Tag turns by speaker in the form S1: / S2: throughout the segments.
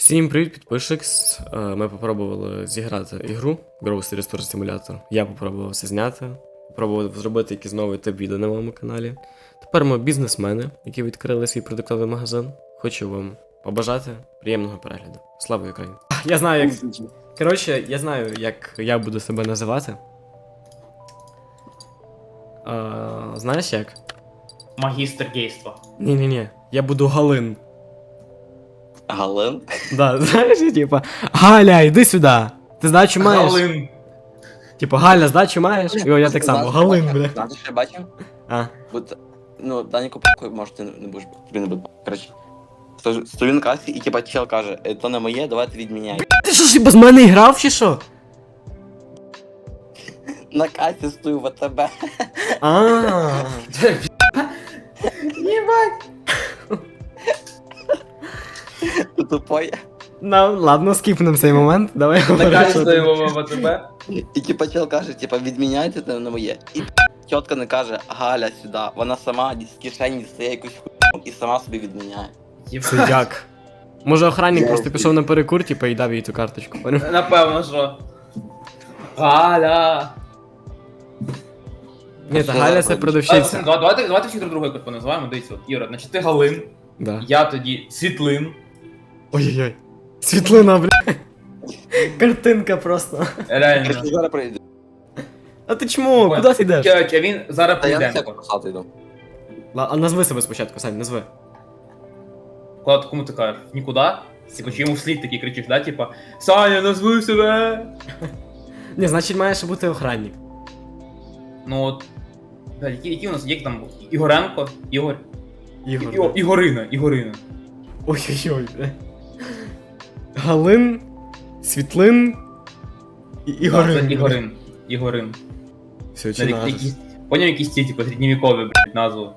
S1: Всім привіт, підписчик. Ми попробували зіграти ігру Grocery Store Simulator. Я попробував це зняти, попробував зробити якийсь новий тип відео на моєму каналі. Тепер ми бізнесмени, які відкрили свій продуктовий магазин. Хочу вам побажати приємного перегляду. Слава Україні! Я знаю, як. Коротше, я знаю, як я буду себе називати. Знаєш як?
S2: Магістр гейства.
S1: Ні. Я буду Галин.
S3: Галин?
S1: Да, знаєш, типа, Галя, йди сюди. Ти здачу маєш?
S2: Галин.
S1: Типа, Галя, здачу маєш? І я так само, Галин, бля.
S3: Знаєш, що я бачив?
S1: А.
S3: Ну, Даніку похуй, може ти не будеш, тобі не буде. Коротше, стою на касі і типа чел каже, то не моє, давайте відміняй.
S1: Ти що ж без мене грав чи що?
S3: На касі стою в АТБ.
S2: Єбать.
S3: Ти тупой.
S1: Ну, ладно, скіпнем цей момент. Давай говори, що ти.
S2: Накачуємо в АТБ.
S3: І типа чел каже, типа відміняйте, це не моє. І тітка не каже, Галя сюди. Вона сама з кишені дістає якусь хуйню і сама собі відміняє.
S1: Це як? Може охранник просто пішов на перекур, типа, і дав їй ту карточку, поняв?
S2: Напевно, що. Галя.
S1: Ні, та Галя це продавщиця.
S2: Давайте всіх друг друга якось поназиваємо. Дивіться, от, Іра, значить ти Галин,
S1: Да.
S2: я тоді Світлин.
S1: Ой-ой-ой. Світлина, бля. Картинка просто.
S2: Реально.
S3: Короче, зараз прийду.
S1: А ти чмо? Куди ти йдеш?
S2: Короче, він зараз
S3: Та я на
S2: прийде.
S3: всяку посаду йду.
S1: А назви себе спочатку, Сань, назви.
S2: Кому ти кажеш? Нікуди? Типа, чи йому вслід такий кричиш, да? Типа, Саня, назви себе!
S1: Ні, значить маєш бути охранник.
S2: Ну от. Які у нас є там? Ігоренко? Ігор?
S1: Ігор. Да.
S2: Ігорина.
S1: Ой-ой-ой, бля. Галин, Світлин і Ігорин.
S2: Ігорин.
S1: Все, чи назва?
S2: Поняв якісь ці, типу, середньовікові, блядь, назву.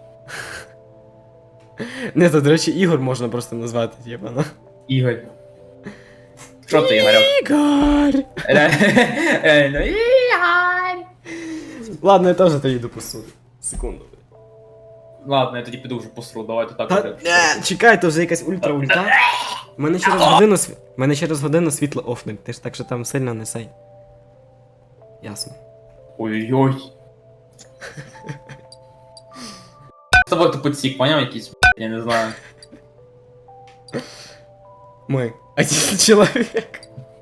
S1: Не, то, до речі, Ігор можна просто назвати, типа, ну.
S2: Ігор. Що ти, Ігорьок?
S1: Ігор!
S2: Реально, Ігор!
S1: Ладно, я теж тоді допусту. Секунду.
S2: Ладно, я тоді піду вже посру, давайте так.
S1: Та, чекай, то вже якась ультра-ульта. У мене через годину світло офнуть, ти ж так що там сильно не сей. Ясно.
S2: Ой-ой-ой. З тобою тупо цік, поняв якийсь, я не знаю.
S1: Ми. Один чоловік.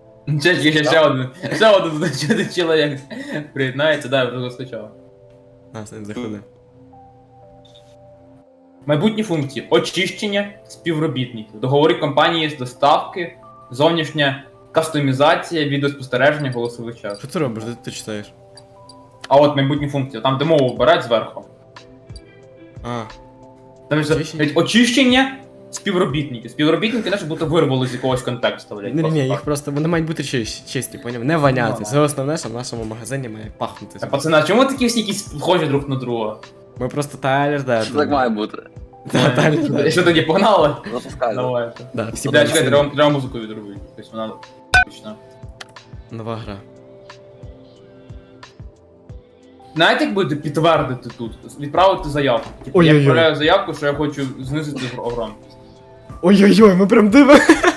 S2: Ще один чоловік приєднається, да, я вже скачав.
S1: А, Сань, заходи.
S2: Майбутні функції: очищення співробітників, договори компанії з доставки, зовнішня кастомізація, відеоспостереження, голосовий час.
S1: Що ти робиш? Де ти читаєш?
S2: А от майбутні функції, там де мову вбирають зверху.
S1: А,
S2: Там же
S1: Очищення?
S2: очищення співробітників. Співробітники наче будто вирвали з якогось контексту, блядь.
S1: ні,
S2: просто
S1: їх
S2: так.
S1: просто, вони мають бути чисті, поняв? Не воняти.
S2: Ну,
S1: Це основне, що в нашому магазині має пахнути.
S2: Та, пацани, а чому такі всі якісь схожі друг на друга?
S1: Ми просто Тайлер, да.
S3: Що так має бути?
S1: Да, Тайлер, да.
S2: Що тоді, погнали?
S3: Запускай.
S2: Давайте.
S1: Да, всі
S2: Бля,
S1: будуть
S2: чекай,
S1: сильні.
S2: треба музику відробити. Тобто вона точно.
S1: Нова гра.
S2: Знаєте, як будете підтвердити тут? Відправити заявку. Типу, я
S1: Ой-ой-ой.
S2: відправляю заявку, що я хочу знизити громкість.
S1: Ой-ой-ой, ми прям диво.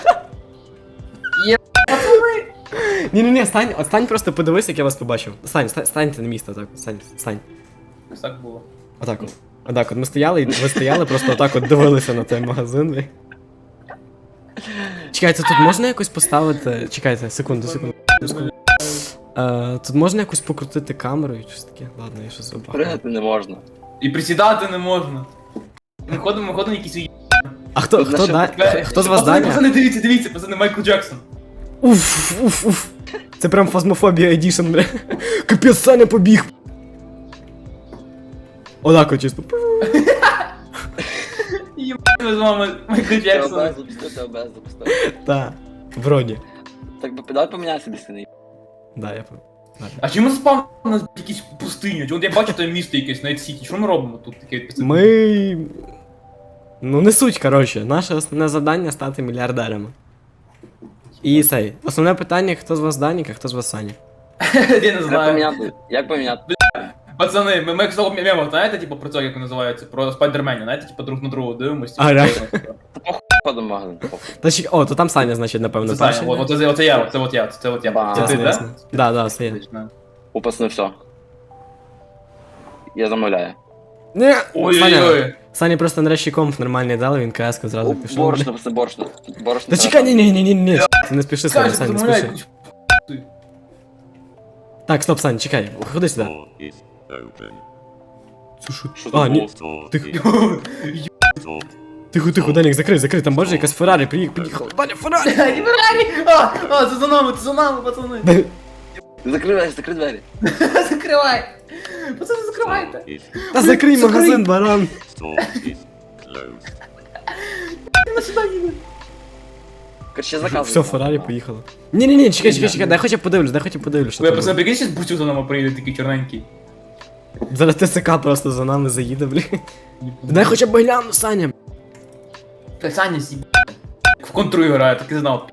S2: Є,
S1: Ні, стань просто подивись, як я вас побачив. Станьте на місце, так. Стань.
S2: Ось так було.
S1: Отак от. Отак от. Ми стояли, і ви стояли, просто отак от дивилися на той магазин. ви. Чекайте, тут можна якось поставити. Чекайте, секунду. Тут можна якось покрутити камеру і щось таке. Ладно, я щось забагав.
S3: Пригати не можна.
S2: І присідати не можна. Ми ходимо якісь уї...
S1: А хто з вас Даня?
S2: Пацани, дивіться, пацани, Майкл Джексон.
S1: Уф. Це прям фазмофобія едішн, бля. Капець, Саня побіг. Отак от чисто.
S2: Ми з вами Майкл Джексон.
S3: ОБС запустити.
S1: Та, вроді.
S3: Так би давай поміняйся десь не.
S1: Да, я пам'ятаю.
S2: А чому спав у нас якісь пустині? От я бачу там місто якесь, Найт Сіті. Що ми робимо тут таке?
S1: Ми. Ну не суть, коротше. Наше основне завдання стати мільярдерами. І цей. Основне питання, хто з вас Данік, а хто з вас Саня.
S2: Я не
S3: Як
S2: знаю.
S3: поміняти? Як поміняти?
S2: Пацани, ми як слово мемо, знаєте, типу, про це, як називається, про спайдерменів, знаєте, типу, друг на другу дивимося.
S1: А, реально?
S3: ходимо в магазин.
S1: Та чекай, о, то там Саня, значить, напевно,
S2: Це Саня,
S1: перший.
S2: оце я, це я.
S3: Ба.
S2: Це ти,
S1: Ясно,
S2: да?
S1: ясно. Да, це я.
S2: Отлично.
S3: У пацани все. Я замовляю.
S1: Ні, Саня,
S2: Ой-ой-ой.
S1: Сані просто нарешті комп нормальний дали, він КС-ку зразу пішов.
S3: Борошно, пацани, борошно. Борошно.
S1: Та чекай, ні, ти не спіши, Саня,
S2: Скажи,
S1: Саня, не
S2: замовляй
S1: спіши.
S2: якусь хуй.
S1: Так, стоп, Саня, чекай, ходи сюди.
S4: Door is open.
S1: Це що?
S3: Що
S1: А,
S3: це
S1: ні,
S3: було?
S4: Door
S1: Тихо.
S4: is door.
S1: тихо, Данік, закрий, там бачиш, якась Феррарі приїхала. Даня, Феррарі!
S2: Ай, Феррарі! Це за нами, пацани.
S3: Закрий двері.
S2: Закривай. Пацани, закривайте.
S4: Door is
S1: Та закрий магазин, баран!
S4: door is closed.
S2: На сюди їде.
S3: Короче, заказуй.
S1: Все, Феррарі поїхала. Ні, чекай, дай хоча б подивлюсь, що
S2: Ви,
S1: там
S2: пацани,
S1: буде.
S2: прикинь, зараз бусю за нами приїде такий чорненький.
S1: Зараз ТСК просто за нами заїде, блін. Дай хоча б гляну, Саня.
S2: Та Саня сіб. В контру грає, так і знав.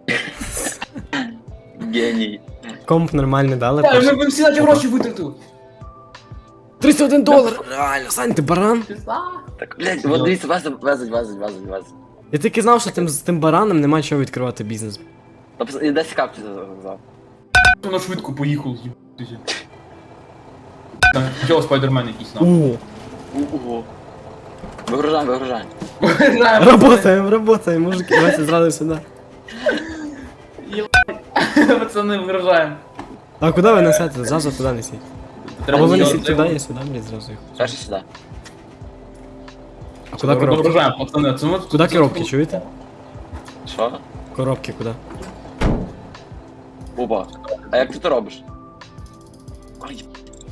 S3: Геній.
S1: Комп нормальний дали.
S2: Та,
S1: перший.
S2: ми всі наші гроші витратили.
S1: $31! Реально, Сань, ти баран?
S2: Пізда.
S3: Так, блядь, вот дивіться, везуть.
S1: Я тільки знав, що з тим бараном нема чого відкривати бізнес.
S3: І десь капці сказав.
S2: Воно швидко поїхав, їбатися. Там чого спайдермен якийсь нам.
S1: О,
S3: Ого. Вигружаємо.
S1: Работаем, мужики, давайте зразу сюди.
S2: Пацани, вигружаємо.
S1: А куди ви несете? Зразу туди несіть. Або ви несіть туди, я сюди, блядь, зразу їх.
S3: Перше сюди.
S1: А куди коробки?
S2: Вигружаємо, пацани. Це ми тут-
S1: Куди коробки, чуєте?
S3: Що?
S1: Коробки куди?
S3: Опа. А як ти то робиш? Ой,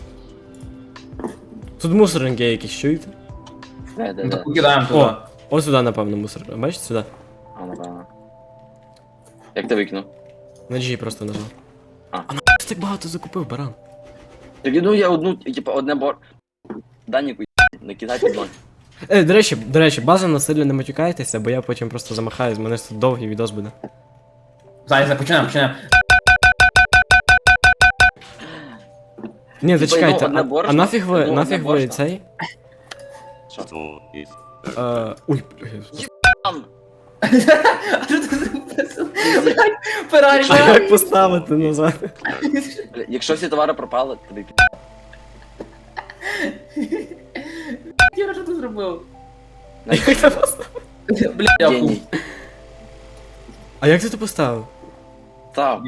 S1: Тут мусорники якісь, чуєте?
S3: де.
S2: Ну, так покидаємо туди.
S1: О, ось сюди, напевно, мусор. Бачите, сюди?
S3: А, напевно. Як ти викинув?
S1: На G просто нажав.
S3: А.
S1: А на так багато закупив, баран.
S3: Так ну я одну, типа, одне Даніку, не кидай під ноги.
S1: До речі, бажано сильно не матюкайтеся, бо я потім просто замахаюсь, в мене ж тут довгий відос буде.
S2: Зараз починаємо.
S1: Ні,
S3: Типа,
S1: зачекайте,
S3: одне
S1: а
S3: борошно,
S1: нафіг ви
S3: одне борошно.
S1: цей?
S4: Door is
S1: Ой,
S3: Там!
S2: А що ти зробив? Феррарі,
S1: а як поставити назад?
S3: Бля, якщо всі товари пропали, тобі пі***.
S2: Юра, що ти зробив?
S1: Як це поставити?
S2: Бля, я
S3: Геній.
S2: хуй.
S1: А як ти це поставив?
S3: Став.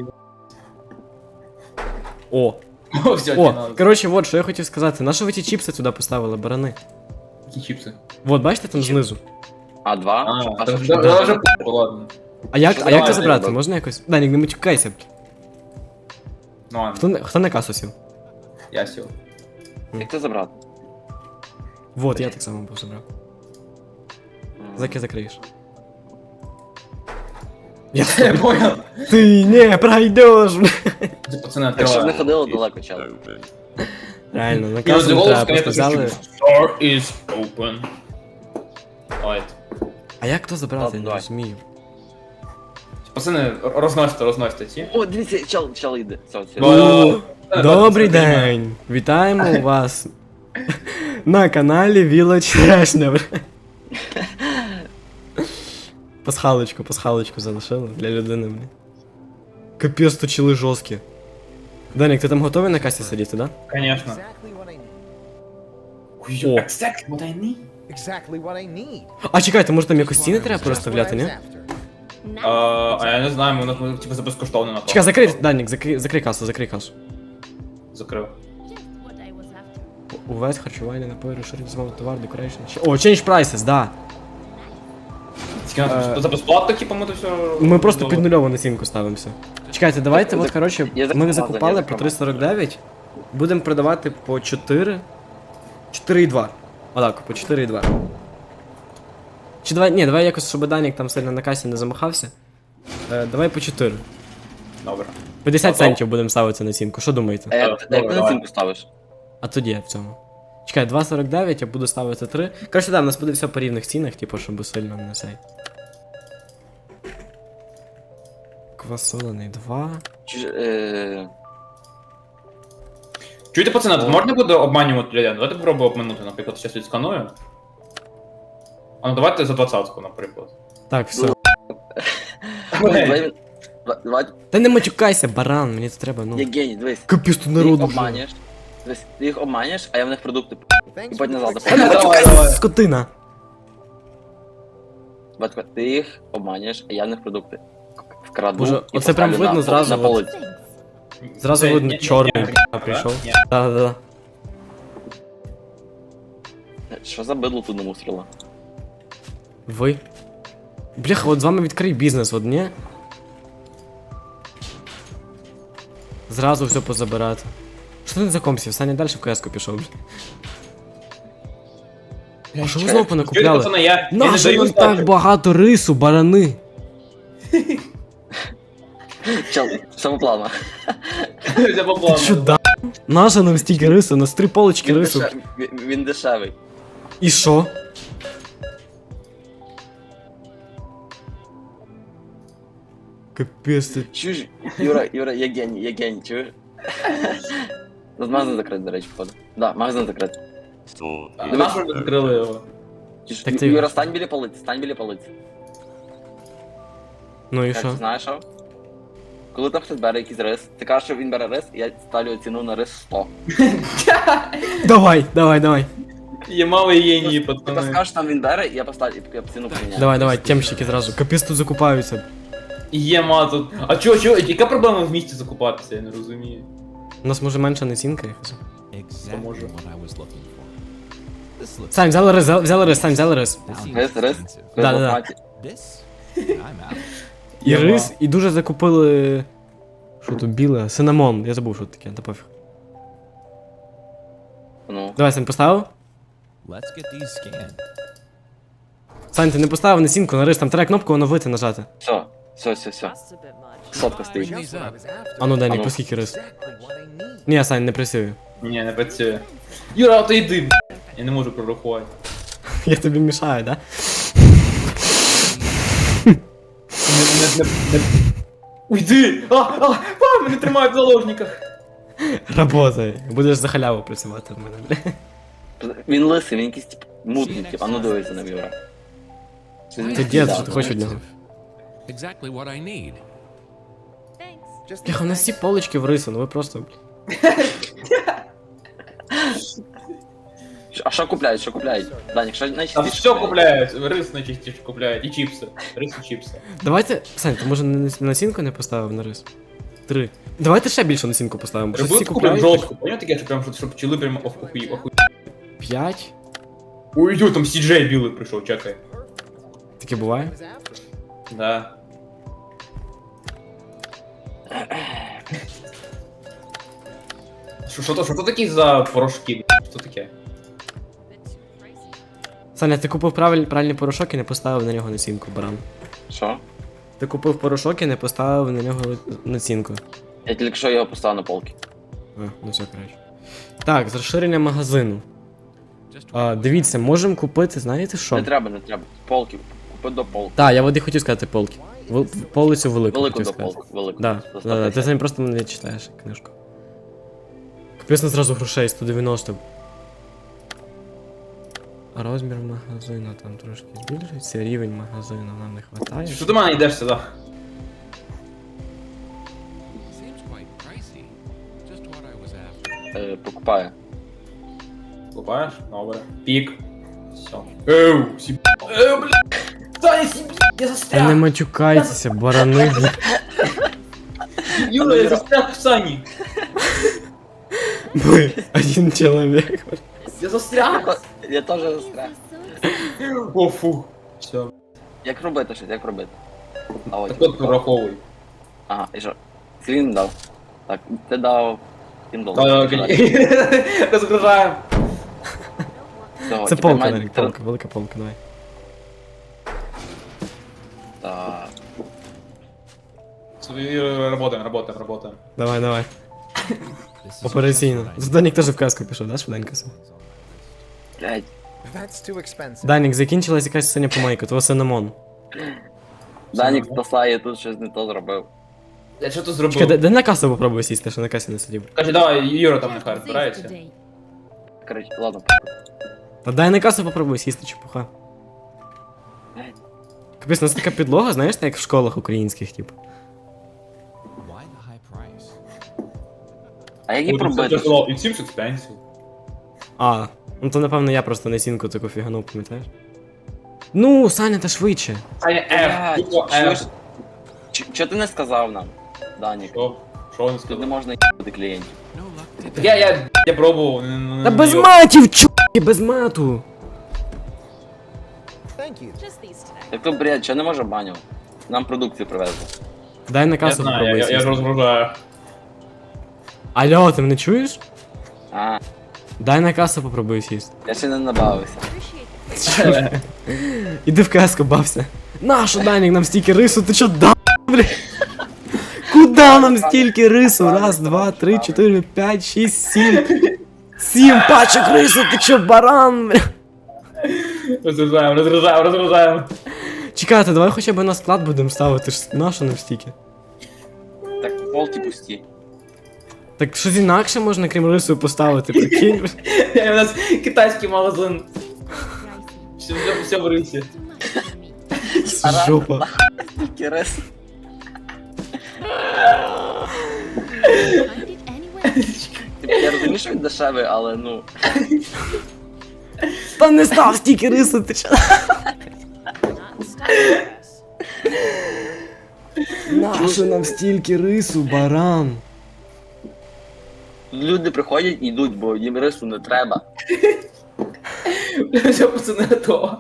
S1: О,
S2: О, все,
S1: о,
S2: кіно.
S1: коротше, от, що я хотів сказати. На що ви ті чіпси туди поставили, барани?
S2: Які чіпси?
S1: Вот, бачите там знизу?
S3: А, два?
S2: А,
S3: що?
S2: це вже ладно.
S1: А як
S3: Давай,
S1: це забрати?
S3: давай.
S1: Можна якось? Данік, не матюкайся.
S2: Ну ладно,
S1: Хто на касу сів?
S2: я сів.
S3: Як це забрати?
S1: Вот, я так само був забрав. Заки закриєш. Я
S2: Я понял.
S1: Ти не пройдеш, бля.
S2: Це пацани
S3: Якщо б не
S2: відкриваємо.
S3: ходило далеко, чел.
S4: open.
S1: Реально, на
S2: І
S1: касу не
S2: голос,
S1: треба, просто
S2: конечно,
S1: взяли.
S2: Store is open. Ой.
S1: А як то забрати, я не
S3: Давай.
S1: розумію.
S2: Пацани, розносите ці.
S3: О, дивіться, чел йде. Все.
S2: О,
S1: Добрий день! Вітаємо вас на каналі Village Trash, бля. Пасхалочку залишили для людини, бля. Капець, то чили жорсткі. Данік, ти там готовий на касі сидіти, да?
S2: Конечно.
S5: Exactly what I need.
S1: О.
S2: Exactly what I need.
S5: Exactly what I need.
S1: А чекайте, може там якось ціни треба переставляти, ні?
S2: А я не знаю, ми типу за безкоштовно напав.
S1: Чекай, закрий, Данік, закрий касу.
S2: Закрив.
S1: Увесь харчування, напої, розширення змови товар, декорейшн. О, change prices, да.
S2: За безплатно, типу, ми то все...
S1: Ми просто під нульову націнку ставимося. Чекайте, давайте, от, коротше,
S3: Я
S1: ми
S3: закупав,
S1: закупали
S3: я
S1: по
S3: закупав.
S1: 3,49, будемо продавати по 4. 4,2. Отак, по 4,2. Чи давай якось, щоб Данік там сильно на касі не замахався. Давай по 4.
S2: Добре.
S1: 50
S2: Готов?
S1: центів будемо ставити націнку, що думаєте?
S3: А як
S2: Добре,
S3: ти на
S2: давай.
S3: цінку ставиш?
S1: А тоді я в цьому. Чекай, 2,49, я буду ставити 3. Коротше, да, в нас буде все по рівних цінах, типу, щоб сильно не цей. Квасолений 2.
S2: Чуєте, пацани, тут можна буде обманювати людей? Давайте попробуємо обманути, наприклад, зараз відсканую. А ну давайте за 20-ку, наприклад.
S1: Так, все.
S3: Давай,
S1: Та не матюкайся, баран, мені це треба, ну.
S3: Євгеній, дивись.
S1: Капець тут
S3: Ти їх
S1: народу вже.
S3: обманюєш. Дивись, ти їх обманюєш, а я в них продукти
S5: Thanks
S3: і
S5: for
S3: потім назад
S5: the
S1: Та не
S3: заплачу.
S2: Давай,
S1: матюкайся,
S2: давай.
S1: скотина.
S3: Батько, ти їх обманюєш, а я в них продукти вкраду.
S1: Боже,
S3: і
S1: оце прям
S3: поставлю
S1: видно зразу,
S3: на
S1: от.
S3: полиці.
S1: Зразу
S2: Це
S1: видно,
S2: ні-
S1: чорний
S2: ні-
S1: бля,
S2: ні-
S1: прийшов.
S2: ні.
S1: Да-да-да.
S3: Що за бидло тут намусорило?
S1: Ви? Бляха, от з вами відкрий бізнес, от ні? Зразу все позабирати. Що ти не за компсів? Саня далі в КС-ку пішов, бля. А що ви знову
S2: Чуєте,
S1: понакупляли?
S2: пацани, я не
S1: Нащо
S2: даю
S1: нам
S2: здачі.
S1: так багато рису, барани?
S3: Чел, самоплавно.
S2: Це по плану.
S1: Ти що, да? Наша нам стільки рису, у нас 3 полочки рису.
S3: Він дешевий.
S1: І що? Капець ти.
S3: Чуєш, Юра, я геній, чуєш? Тут магазин закритий, до речі, походу. Да, магазин закритий.
S4: Store
S2: А
S4: is
S2: нащо ви закрили його?
S3: Чуєш,
S1: Так ти-
S3: Юра, стань біля полиці.
S1: Ну і
S3: Як
S1: що?
S3: ти знаєш, що? Коли там хтось бере якийсь рис, ти кажеш, що він бере рис, і я ставлю ціну на рис 100.
S1: Давай.
S2: Є мали генії,
S3: Ти
S2: пацани.
S3: скажеш, там він бере, і я поставлю, і я ціну поміняю.
S1: Давай, темщики зразу. Капець тут закупаються.
S2: Є ма тут. А чо, яка проблема в місті закупатися, я не розумію.
S1: У нас може менша націнка якась.
S6: Exactly
S2: Може.
S6: what I was looking for. This looks
S1: Сань, взяли рис, Сань, взяли рис.
S6: this seems
S3: Рис, рис.
S6: expensive.
S1: Да.
S6: This? I'm out.
S1: І
S2: Єма.
S1: рис, і дуже закупили. Що тут біле? Синамон. Я забув, що це таке, та пофіг.
S3: Ну,
S1: Давай, Сань, поставив?
S6: Let's get these scanned.
S1: Сань, ти не поставив націнку на рис, там треба кнопку оновити нажати.
S3: все.
S7: That's a bit much.
S3: Сотка стоїть.
S5: Just what I was after.
S1: А ну дай,
S3: А ну.
S1: по скільки рис.
S5: Exactly what I need.
S1: Ні, Сань, не працює.
S2: Ні, не працює. Юра, а то йди, я не можу прорахувати.
S1: Я тобі мішаю, да?
S2: Уйди! А, мене тримають в заложниках.
S1: Работай. Будеш за халяву працювати в мене, бля.
S3: Він лисий, він якийсь тип мутний, тип, а ну дивися на Юра.
S1: Ти дід, що ти хочеш від нього?
S6: Exactly what I need.
S7: Thanks.
S5: Just
S1: Бляха, у нас всі полочки в рису, ну ви просто, бля.
S3: А що купляють, Данік, що
S2: А
S3: найчастіше
S2: все купляють, рис найчастіше купляють, і чіпси. Рис і чіпси.
S1: Давайте, Сань, ти може націнку не поставив на рис? 3. Давайте ще більше націнку поставимо, бо щось всі
S2: Рибу куплю
S1: купляють.
S2: жорстко, поняв таке, що прям, щоб пчели прям охуй.
S1: 5?
S2: Ой, йо, там CJ білий прийшов, чекай.
S1: Таке буває?
S5: I was after.
S2: Да. Що то такі за порошки? Що таке?
S7: Bit too pricey.
S1: Саня, ти купив правильний порошок і не поставив на нього націнку, баран.
S3: Що?
S1: Ти купив порошок і не поставив на нього націнку.
S3: Я тільки що його поставив на полки.
S1: А, ну все, коротше. Так, з розширення магазину.
S6: Just what
S1: Дивіться, можемо купити, знаєте що?
S3: Не треба. Полки. Купи до полки.
S1: Так, я води хотів сказати полки. Полицю велику
S3: Велику
S1: хотів
S3: до
S1: сказати.
S3: полки, велику.
S1: Да,
S3: До
S1: да, ти
S3: 150.
S1: самі просто не читаєш книжку. Капець, зразу грошей 190. А розмір магазину там трошки збільшується, рівень магазину нам не вистачає.
S2: Що до мене йдеш сюди?
S6: seems quite pricey. Just what I was after.
S3: Покупаю.
S2: Купаєш? Добре. Пік. Все. Еу, сіб... Еу, бля! Саня, сіб... Я
S1: Та не
S2: застряг!
S1: матюкайтеся, барани.
S2: Юра, я застряг в Сані!
S1: Ми один чоловік.
S2: Я застряг!
S3: Я теж застряг.
S2: О, фу. Все.
S3: Як робити щось, як робити? А
S2: Так
S3: от.
S2: от прораховуй.
S3: Ага, і що? Скільки він дав? Так, ти дав 7
S2: Так,
S3: доларів.
S2: розгружаємо.
S3: Всього,
S1: Це
S3: тепер
S1: полка,
S3: має-
S1: Нарік, полка, велика полка, давай.
S3: Так.
S2: Работаем.
S1: Давай.
S6: This is
S1: Операційно.
S6: just what I need.
S1: Данік теж в казку пішов, да, швиденько?
S3: Блядь.
S5: That's too expensive.
S1: Данік, закінчилась якась синя помайка, того синамон.
S3: Данік спасає, тут щось не то зробив.
S2: Я що тут
S1: Чекай,
S2: зробив?
S1: де на касу попробуй сісти, що на касі не сидів.
S2: Каже, давай, Юра там нехай розбирається.
S3: Коротше, ладно.
S1: Та дай на касу попробуй сісти, чепуха.
S3: Блядь.
S1: Капець, у нас така підлога, знаєш, так як в школах українських, типу.
S6: Why the high price?
S3: А як її пробити?
S2: It seems expensive.
S1: А, ну то напевно я просто насінку таку фіганув, пам'ятаєш? Ну, Саня, та швидше.
S2: Саня, F,
S3: Блядь,
S2: буква
S3: чуєш?
S2: F.
S3: Чого ти не сказав нам, Данік?
S2: Що він
S3: Тут не
S2: сказав?
S3: можна їбати клієнтів.
S6: No luck today.
S2: Я пробував.
S1: Та без матів, чуваки, без мату.
S5: Thank you.
S7: Just these today.
S3: Так то бред, чого не може баню? Нам продукцію привезли.
S1: Дай на
S2: Я
S1: касу
S2: знаю,
S1: попробуй
S2: я ж
S1: сісти.
S2: розгружаю.
S1: Алло, ти мене чуєш?
S3: А,
S1: Дай на касу попробуй сісти.
S3: я ще не набавився.
S7: Appreciate
S1: Іди в каску, бався. Нащо, Данік, нам стільки рису, ти чо, да, бля? Куда нам стільки рису? Раз, два, три, чотири, п'ять, шість, сім. 7 пачок рису, ти чо, баран, бля?
S2: Розгружаємо.
S1: Чекайте, давай хоча б на склад будемо ставити, ж нащо нам стільки?
S3: Так, полки пусті.
S1: Так щось інакше можна, крім рису, поставити, прикинь.
S2: У нас китайський магазин.
S7: pricey.
S2: Все в рисі.
S7: Too much for me.
S1: Жопа.
S3: Тільки рис.
S7: Find it anywhere.
S3: Типу, я розумію, що він дешевий, але ну.
S1: Та не став стільки рису, ти чо?
S7: Not in style.
S1: Нащо нам стільки рису, баран?
S3: Люди приходять і йдуть, бо їм рису не треба.
S2: Все, пацани, готово.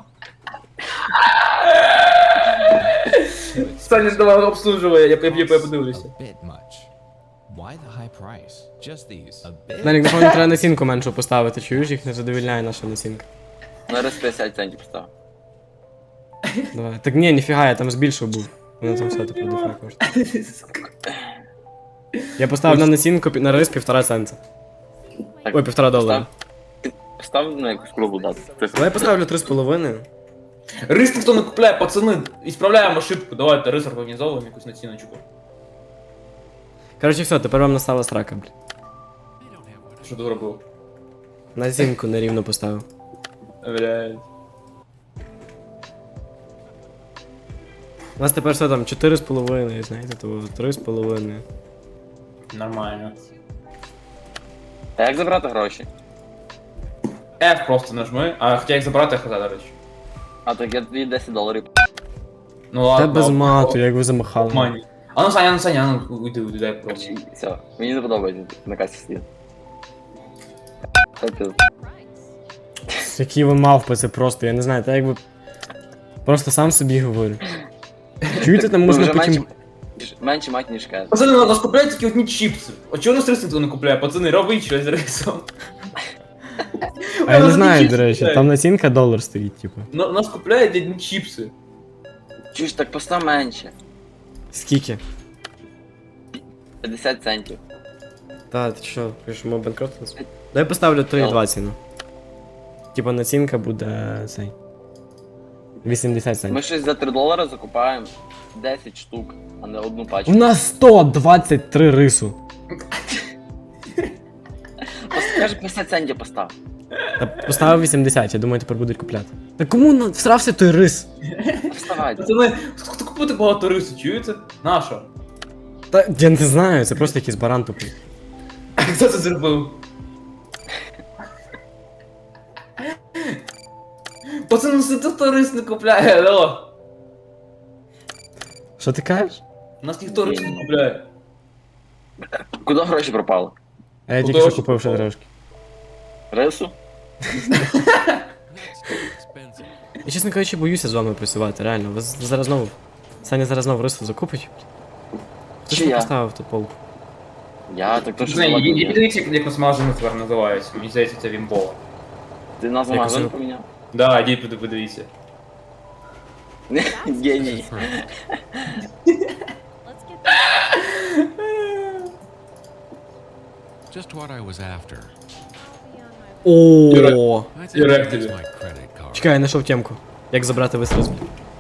S2: Саня, давай обслуживай, я подивлюся.
S6: A bit much. Why the high price? Just these. A bit.
S1: Данік, напевно, треба насінку меншу поставити, чуєш, їх не задовільняє наша насінка.
S3: На рис 50 центів постав.
S1: Давай. Так ні, ніфіга, я там збільшив був. Воно там все по дефа коштує. Я поставив на насінку на рис 1,5 цента.
S3: Так,
S1: Ой, $1,5.
S3: Постав на якусь кругу дату.
S1: Давай я поставлю 3,5.
S2: Рис ніхто не купляє, пацани, ісправляємо ошибку, давайте рис організовуємо якусь націночку.
S1: Коротше, все, тепер вам настала срака, блін.
S2: Що ти зробив?
S1: Насінку нерівно поставив.
S2: Блядь.
S1: У нас тепер все там 4,5, знаєте, то 3,5.
S2: Нормально.
S3: А як забрати гроші?
S2: F просто нажми, а хоча як забрати хз, до речі.
S3: А так я тобі $10.
S2: Ну
S1: Та
S2: ладно.
S1: без мату, як ви замахали.
S2: Мані. А ну Саня, уйди, дай просто.
S3: Все, мені не подобається на касі сидіти. Капець.
S7: Price.
S1: Які ви мавпи, це просто, я не знаю, та якби. Просто сам собі говорю. Чуєте, там можна
S3: Вже
S1: потім.
S3: менше мать, ніж кеш.
S2: Пацани, у нас купляють тільки одні чіпси. А чого у нас рис ніхто не купляє? Пацани, робіть щось з рисом.
S1: А я не знаю, до речі, там насінка $1 стоїть, типу.
S2: У нас купляють одні чіпси.
S3: Чуєш, так постав менше.
S1: Скільки?
S3: 50 центів.
S1: Та, ти що, пишемо банкрот? Дай поставлю 3,20, ну. Типа націнка буде цей. 80
S3: Ми
S1: центів.
S3: щось за $3 закупаємо 10 штук, а не одну
S1: У
S3: пачку.
S1: нас 123 рису.
S3: Каже 50 центів постав.
S1: Та поставив 80, я думаю, тепер будуть купляти. Та кому всрався той рис?
S3: Вставай.
S2: Пацани, хто купити багато рису, чуєте? Наша.
S1: Та я не знаю, це просто якийсь баран тупий.
S2: Хто це зробив? Пацани, ну це хто рис не купляє, алло.
S1: Що ти кажеш?
S2: У нас ніхто рис не купляє.
S3: Куди гроші пропали?
S1: А я
S2: Ну,
S1: тільки що
S2: то,
S1: купив ще
S2: що
S1: трошки.
S3: Рису?
S6: That's too expensive.
S1: Я, чесно кажучи, боюся з вами працювати, реально. Ви зараз знову. Саня зараз знову рису закупить. Хто ж
S3: Чи
S1: не
S3: я?
S1: поставив ту полку?
S3: Я так то що
S2: Пацани,
S3: була-
S2: подивіться, як нас магазин тепер називається. Мені здається, це Вімбова.
S3: Ти назву
S1: Якось
S3: магазину
S1: я-
S3: поміняв?
S2: Да, ідіть подивіться.
S3: Геній.
S7: Let's get this.
S6: Just what I was after.
S7: Be on my
S1: О,
S6: I think
S2: You're
S6: that's
S2: active.
S6: my credit card.
S1: чекай, я знайшов темку. Як забрати весь рис?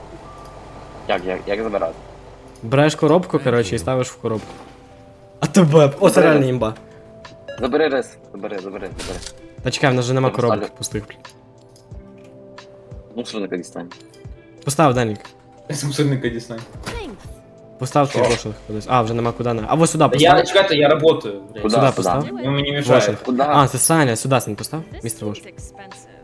S3: Як забирати?
S1: Береш коробку, коротше, і ставиш в коробку. А тебе, оце реально імба.
S3: Забери рис. Забери.
S1: Та чекай, в нас вже нема
S3: Я
S1: коробок
S3: поставлю.
S1: пустих.
S3: Мусорника дістань.
S1: Постав, Данік.
S2: Мусорника Дісней.
S7: Thanks.
S1: Постав цей
S2: Що?
S1: вошинг кудись. А, вже нема куди. А ось сюди
S2: Я,
S1: постав.
S2: чекайте, я работаю. блядь.
S3: Куда?
S1: Сюди
S3: Куда?
S1: постав.
S7: Do
S2: Ви
S7: it.
S2: мені мішаєте.
S1: Вошинг.
S3: Куда?
S1: А, це Саня, сюди Сань постав.
S7: This
S1: Містер Вош.
S7: seems expensive.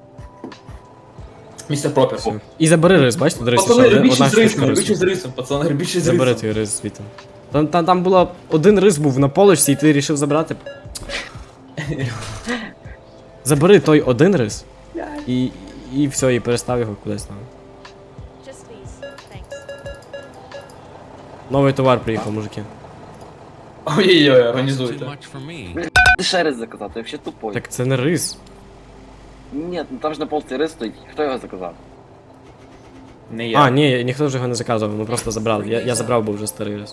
S2: Містер Пропер.
S1: Все. І забери рис, бачите, до рису, що
S2: Пацани,
S1: одна
S2: більше з
S1: штучка
S2: рисом,
S1: рису.
S2: більше з рисом, пацани, більше з
S1: Забери
S2: рисом.
S1: твій рис звідти. Там було один рис був на полочці, і ти вирішив забрати. Забери той один рис. І все, і перестав його кудись там.
S7: Just these. Thanks.
S1: Новий товар приїхав, мужики.
S2: Ой-ой-ой,
S6: That's too
S2: організуйте.
S6: much for me.
S3: Ти ще рис заказав, ти взагалі тупой.
S1: Так це не рис.
S3: Ні, ну там ж на полці рис стоїть. Хто його заказав?
S2: Не я.
S1: А, ні, ніхто вже його не заказував, ми просто забрали. Я забрав, бо вже старий рис.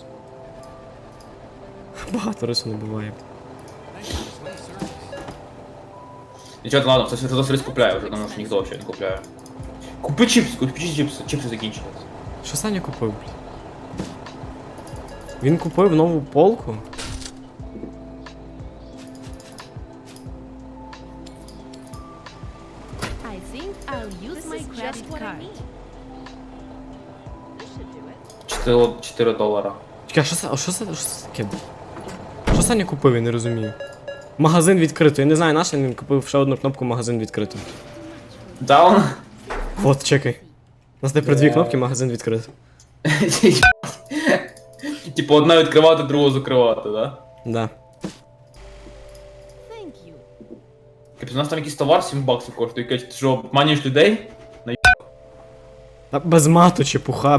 S1: Багато рису не буває.
S6: Thanks for the slight service.
S2: Нічого, ладно, це Святозас рис купляє вже, тому що ніхто взагалі не купляє. Купи чіпси, чіпси закінчились.
S1: Що Саня купив, блін? Він купив нову полку?
S7: I think I'll use my credit card. This should do it.
S2: 4 долара.
S1: Чекай, що це таке? Що Саня купив, я не розумію. Магазин відкрито. Я не знаю, наш він купив ще одну кнопку магазин відкрито.
S2: Даун?
S1: От, чекай. У нас тепер дві кнопки магазин відкрито.
S2: Типу одна відкривати, другу закривати, да?
S1: Да.
S7: Thank you.
S2: Капець, у нас там якийсь товар 7 баксів коштує, якийсь, ти що, обманюєш людей?
S1: Та без мату чепуха.
S7: Bye.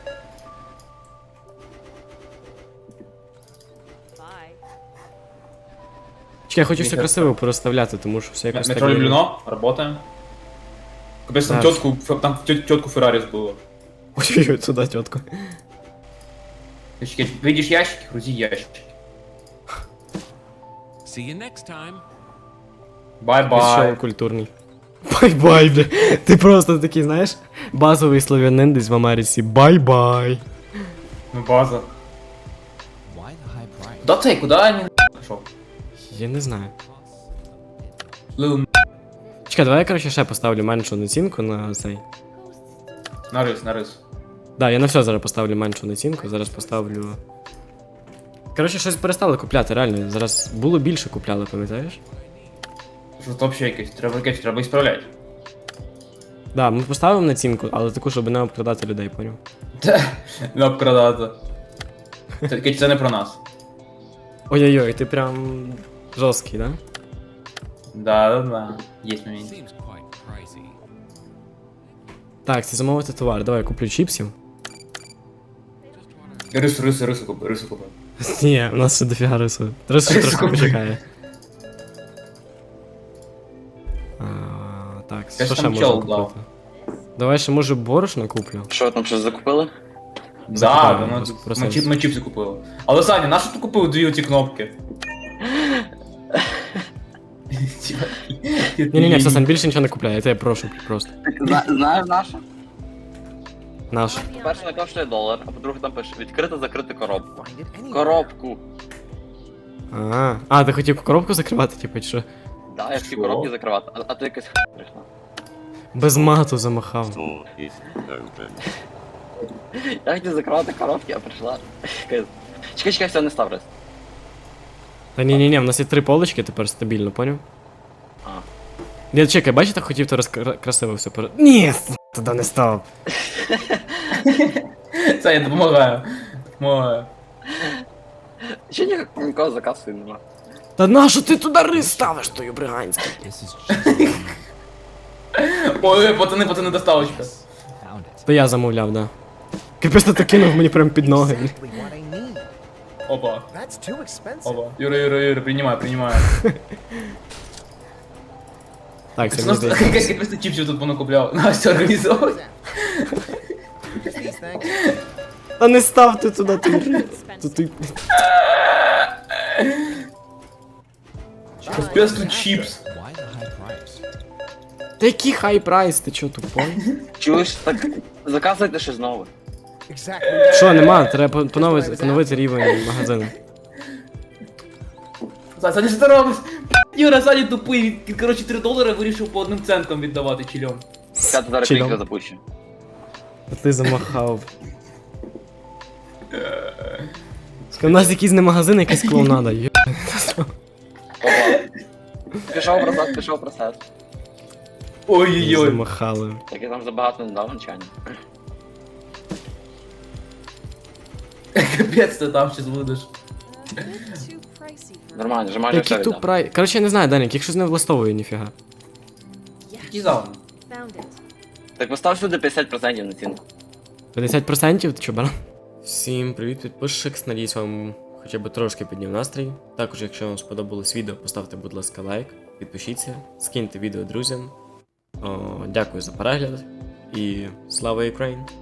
S1: Чекай, я хочу все
S2: Мені
S1: красиво порозставляти, тому що все якось
S2: Метро
S1: так...
S2: Любліно, работаем. Капець, там
S1: Да.
S2: тетку Феррарі збило.
S1: Ой-ой-ой, туди тітко.
S2: Чекай, видиш ящики, грузи ящики.
S6: See you next time.
S2: Бай-бай.
S1: Що культурний. Бай-бай, бля. Ти просто такий, знаєш, базовий слов'янин десь в Америці. Бай-бай.
S2: Ну база.
S6: Why the high price?
S2: Куда цей, куда они пошел?
S1: Я не знаю.
S2: Лил
S1: Чекай, давай я, коротше, ще поставлю меншу націнку на цей.
S2: на рис.
S1: Да, я на все зараз поставлю меншу націнку, зараз поставлю. Коротше, щось перестали купляти, реально. Зараз було більше купляли, пам'ятаєш?
S2: Що це взагалі якесь, треба ісправляти.
S1: Да, ми поставимо націнку, але таку, щоб не обкрадати людей, поняв?
S2: Не обкрадати. Це не про нас.
S1: Ой-ой-ой, ти прям жорсткий, да?
S2: Да. Є момент.
S6: Seems quite pricey.
S1: Так, це замовити товар. Давай, куплю чіпсів.
S2: Рису купи.
S1: Ні, у нас ще дофіга рису. Рису ще трохи
S2: купи.
S1: почекає. Так,
S2: Я
S1: що
S2: ж
S1: ще
S2: там
S1: можна
S2: чел дав.
S1: купити? Давай ще може борошно куплю.
S3: Що там щось закупили?
S2: Да,
S1: Закупали,
S2: ну,
S1: просто-
S2: ми чіпси купили. Але Саня, на що ти купив дві оці кнопки?
S1: Ні-ні-ні, все, Сань, більше нічого не купляй, я тебе прошу просто.
S3: Знаєш наша?
S1: Наш.
S3: Перше не коштує $1, а по-друге там пише відкрити закрити коробку.
S5: Find it anywhere.
S3: Коробку.
S1: А, ти хотів коробку закривати, типу, чи що?
S3: Да, я всі
S2: Що?
S3: коробки закривати, а ти якась прийшла.
S1: Без мату замахав.
S4: Door is open.
S3: Я хотів закривати коробки, а прийшла. Чекай, все, не став рис.
S1: Та ні-ні-ні, в нас є 3 полочки тепер стабільно, поняв?
S3: А.
S1: Я чекай, бачите, хотів то красиво все перед. Ні, туди не став.
S2: Саня, допомагаю.
S3: Ще нікого заказу нема.
S1: Та нащо ти туди рис ставиш, тою бриганською?
S6: This is just
S2: Ой, пацани, доставочка.
S5: Found it.
S1: То я замовляв, да. Капець ти кинув мені прям під ноги.
S5: Exactly what I need.
S2: Опа.
S5: That's too expensive.
S2: Юра, принимаю.
S1: Так, це
S2: У
S1: мені
S2: нас
S1: здається.
S2: якась просто чіпсів тут понакупляв. Настя організовує.
S5: Just these things.
S1: Та не ставте туди той рис. Тут ти-
S2: Капець тут чіпс.
S6: why the high price?
S1: Та який хай прайс, ти чо тупой?
S3: Чуєш, так заказуйте щось нове.
S5: Exactly.
S1: Що, нема, треба поновити рівень магазину.
S2: Саня, що ти робиш? Юра, Саня тупий, він, коротше, $3 вирішив по 1 центам віддавати чільом.
S3: Я зараз
S1: Чилом.
S3: кліка запущу.
S1: Ти замахав. У нас якийсь не магазин, якась клоунада.
S3: Опа. Пішов процес.
S2: Ой-ой-ой.
S1: Замахали.
S3: Так я там забагато не дав навчання.
S2: Капець ти там щас будеш.
S7: A bit too pricey for
S3: Нормально, вже майже все
S1: Який
S3: віддав.
S1: тупрай. Коротше, я не знаю, Данік, якщо не влаштовує ніфіга.
S2: Який зал?
S7: Found it.
S3: Так постав сюди 50% націнку.
S1: 50% ти чо, баран? Всім привіт, підписчик. Надіюсь, вам хоча б трошки підняв настрій. Також, якщо вам сподобалось відео, поставте, будь ласка, лайк, підпишіться, скиньте відео друзям. Дякую за перегляд і слава Україні!